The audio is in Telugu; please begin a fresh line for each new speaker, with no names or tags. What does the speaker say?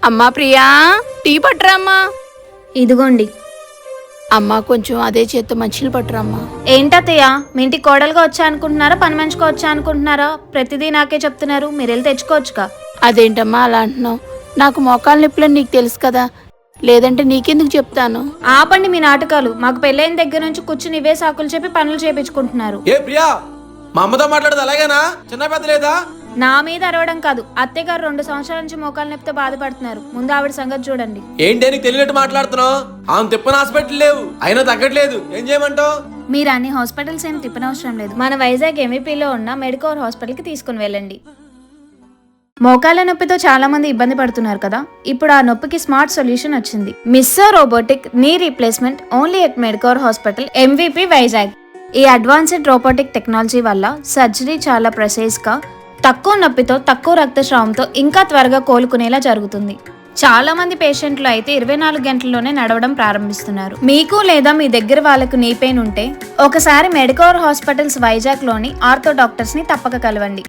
అమ్మా ప్రియా, టీ పట్టరామ్మా.
ఇదిగోండి.
అమ్మా కొంచెం అదే చేత్తో మంచిలు పట్టరమ్మా.
ఏంటత్తయ్య, మీ ఇంటికి కోడలుగా వచ్చా అనుకుంటున్నారా, పని మనిషిగా వచ్చా అనుకుంటున్నారా? ప్రతిదీ నాకే చెప్తున్నారు, మీరు వెళ్ళి తెచ్చుకోవచ్చుగా.
అదేంటమ్మా అలా అంటున్నావు? నాకు మోకాలు నొప్పులని నీకు తెలుసు కదా, లేదంటే నీకెందుకు చెప్తాను?
ఆపండి మీ నాటకాలు. మాకు పెళ్ళైన దగ్గర నుంచి కూర్చుని ఇవే సాకులు చెప్పి పనులు చేపించుకుంటున్నారు.
ఏ ప్రియా, మా అమ్మతో మాట్లాడదు అలాగేనా? చిన్న పెద్ద లేదా?
నా మీద అరవడం కాదు, అత్తయ్య గారు 2 సంవత్సరాల నుంచి మోకాలు నొప్పితో బాధపడుతున్నారు. ముందు ఆవిడ సంగతి చూడండి.
ఏంటి నీకు తెలియనట్టు మాట్లాడుతున్నావు? ఆమె తిప్పని హాస్పిటల్ లేవు, అయినా తగ్గట్లేదు, ఏం చేయమంటావు?
మీరు అన్ని హాస్పిటల్స్ ఏం తిప్పనవసరం లేదు. మన వైజాగ్ ఎంవీపీలో ఉన్న మెడికోర్ హాస్పిటల్కి తీసుకుని వెళ్ళండి. మోకాళ్ళ నొప్పితో చాలా మంది ఇబ్బంది పడుతున్నారు కదా, ఇప్పుడు ఆ నొప్పికి స్మార్ట్ సొల్యూషన్ వచ్చింది. Misso robotic knee replacement only at Medicover hospital MVP Vizag. ఈ అడ్వాన్స్డ్ రోబోటిక్ టెక్నాలజీ వల్ల సర్జరీ చాలా ప్రెసైజ్ గా, తక్కువ నొప్పితో, తక్కువ రక్తస్రావంతో ఇంకా త్వరగా కోలుకునేలా జరుగుతుంది. చాలా మంది పేషెంట్లు అయితే 24 గంటల్లోనే నడవడం ప్రారంభిస్తున్నారు. మీకు లేదా మీ దగ్గర వాళ్ళకు నీ పెయిన్ ఉంటే ఒకసారి మెడికోర్ హాస్పిటల్స్ వైజాగ్ లోని ఆర్థో డాక్టర్స్ ని తప్పక కలవండి.